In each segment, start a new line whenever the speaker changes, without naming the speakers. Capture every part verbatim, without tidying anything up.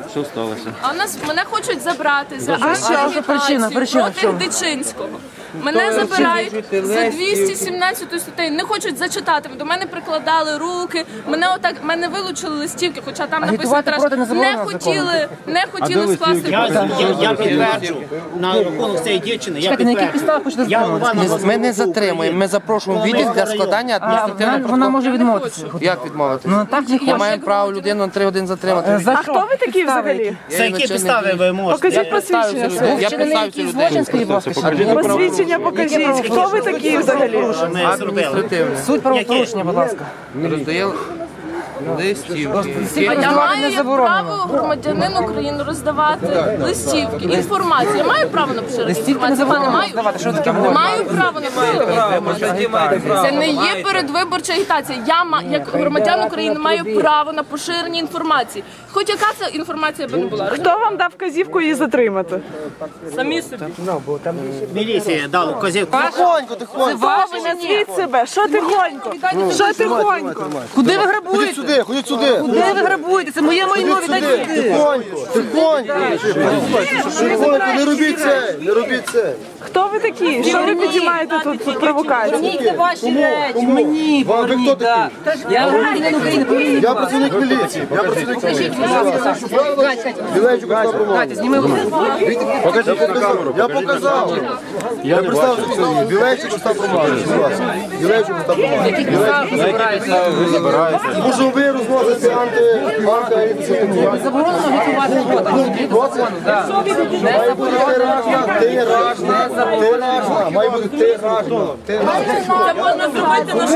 Що сталося?
А у нас мене хочуть забрати за
що? Причина, причина в
проти
чому?
Дичинського. Мене забирають за двісті сімнадцяту статтею, не хочуть зачитати. До мене прикладали руки, мене отак, мене вилучили листівки, хоча там написано,
Агітувати проти не
не
заборонено
хотіли, не хотіли скласти
Я,
протокол.
я, я підтверджу на рахунок цієї дівчини. Я
Чекайте, на яких
підтверджу.
підставах хочете
Я
затримувати?
голова
Ми не затримуємо, ми запрошуємо відділ для складання
А, вона,
адміністративного
вона
протоколу.
може відмовитися.
Як відмовитися?
Ну так не
Я
хоче.
маю право людину на три години затримати.
За
А хто ви такі взагалі?
За які підстави ви можете?
Покажіть посвідчення.
Я
своє.
представився
Який
людей.
злочин, скажіть, будь ласка, ще?
Посвідчення покажіть. Хто ви такі взагалі?
Ми зробили.
Адміністративне.
Суть правопорушення, будь ласка.
Роздає листівки.
Всі
А я
роздавати
маю
не
як
заборонено.
право громадянин України роздавати листівки, інформацію. Я маю право на поширення
Листівки не
інформації?
заборонено
Маю.
роздавати. Що таке можна?
Маю право на поширення. Це не є передвиборча агітація. Я, ма- як громадян України, маю право на поширення інформації. Хоч яка це інформація би не була.
Хто вам дав вказівку її затримати?
Самі собі.
Міліція дала вказівку.
Хто ви? Назвіть себе. Що тихонько? Що тихонько?
Куди ви грабуєте?
Ходіть сюди, ходіть сюди.
Куди ви грабуєте? Це моє майно, віддайте сюди.
Тихонько, тихонько. Тихонько, не робіть це, не робіть це.
Хто ви такі? Що ви підіймаєте тут, тут провокацію?
Поверніть ваші речі, мені
Вам ви хто такий?
Я громадянин України, поверніть.
Я працівник міліції. Я працівник міліції. Білейчук, хто промовив?
Зніми руку.
Покажіть на камеру. Я показав. Я представився. Білейчук, хто промовив? Білейчук, хто промовив? Тому що ви розносите анти... анти...
Заборонено агітувати проти.
Має бути тиражна, тиражна, тиражна. Має бути тиражна, тиражна.
Це можна зробити на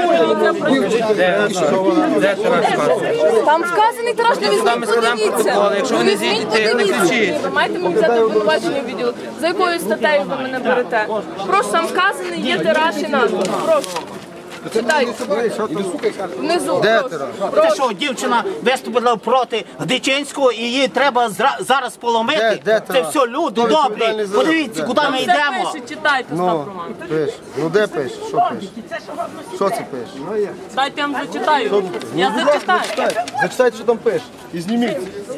школі. Там вказаний тираж, не візьміть, подивіться.
Якщо ви не зійдете, не кричіть.
Ви маєте мені взяти обвинувачення відділу. За якою статтею ви мене берете? Прошу, там вказаний є тираж і назва. Прошу. Читайте. Внизу.
Де
прошу.
Це що, дівчина виступила проти Дичинського і її треба зра- зараз поломити?
Де- де
Це
це?
все люди
Хто
добрі.
відповідальний за-
Подивіться,
Де?
куди ми
Це
йдемо.
пише, читайте,
Ну,
Остап Роман.
пиш. Ну де пиш? Що пиш? Що це пиш?
Дайте я вам зачитаю. Я зачитаю.
Зачитайте, зачитайте, що там пиш. І зніміть.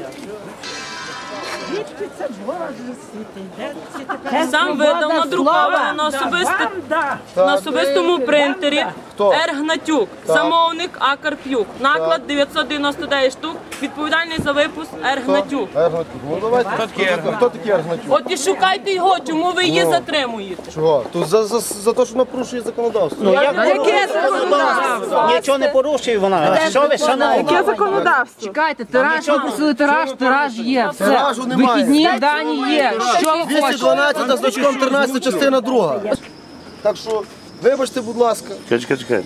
Сам видав надруковано на особисти- на особистому принтері
Хто?
Р. Гнатюк, замовник А. Карп'юк. Наклад дев'ятсот дев'яносто дев'ять штук, відповідальний за випуск Р. Гнатюк.
Ергнатюк. Ну давайте. Хто такий Ергнатюк? Хто такий Ергнатюк?
От і шукайте його, чому ви її затримуєте.
Чого? Тут за, за, за те, що вона порушує законодавство.
Ну, як
Яке законодавство?
Нічого не порушує вона. Що ви, шановні?
Яке законодавство?
Чекайте, тираж, ви просили тираж, тираж є. Все.
Тиражу немає.
Вихідні дані є. Що ви
двісті
хочете?
дванадцять значком тринадцята частина друга. Так що, вибачте, будь ласка.
Чекай, чекай.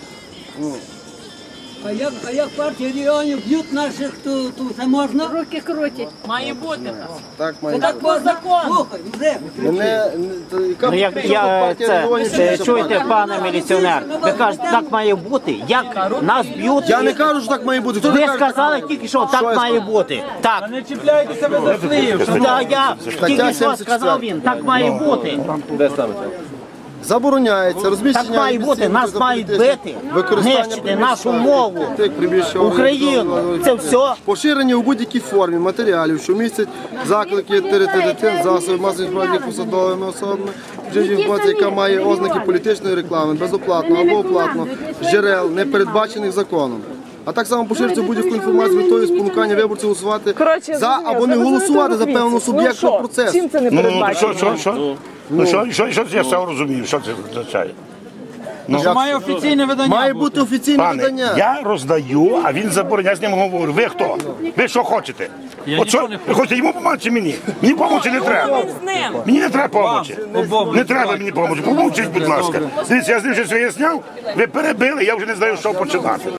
А як, а як партія регіонів б'ють наших, то, то це можна? Руки крутять.
Має бути.
Так, має.
Так по закону.
Слухай, вже.
Мене, не- то яка
Ну, як
причина
я
партія
це,
регіонів,
це
що це
чуєте,
партія?
пане міліціонер, ви кажете, так має бути. Як нас б'ють?
Я не кажу, що так має бути. Хто
Ви
не каже,
сказали
так
тільки що
Що
так
я
має
сказав?
бути. Так.
Не чіпляйтеся ви за слів.
Та я тільки що
сімдесят
сказав
четыре.
він, так має бути.
Забороняється розміщення...
Так має бути,
лісів
нас
за
мають
політичних,
бити,
використання
нищити нашу
приміщень,
мову,
тих приміщень,
Україну. Це все.
Поширення у будь-якій формі матеріалів, що містять заклики терити дитин, засоби масової інформації посадовими особами, джерел інформації, яка має ознаки політичної реклами, безоплатно або оплатно, з джерел, не передбачених законом. А так само поширюється будь-яку інформацію з метою спонукання виборців голосувати
Коротше,
за або не голосувати за певного суб'єкта процесу.
Чим це не
Ну, ну,
передбачено?
що, що, що? Ну, що, що, що, я все розумію, що це означає.
Як-
Має офіційне видання.
Має бути офіційне
Пане,
видання.
я роздаю, а він забороняє, з ним говорю. Ви хто? Ви що хочете? От що, ви хочете йому допомогти чи мені? Мені допомогти не треба.
З ним.
Мені не треба допомогти. Не треба мені допомогти. Помовчіть, будь ласка. Дивіться, я з ним щось виясняв, ви перебили, я вже не знаю, що починати.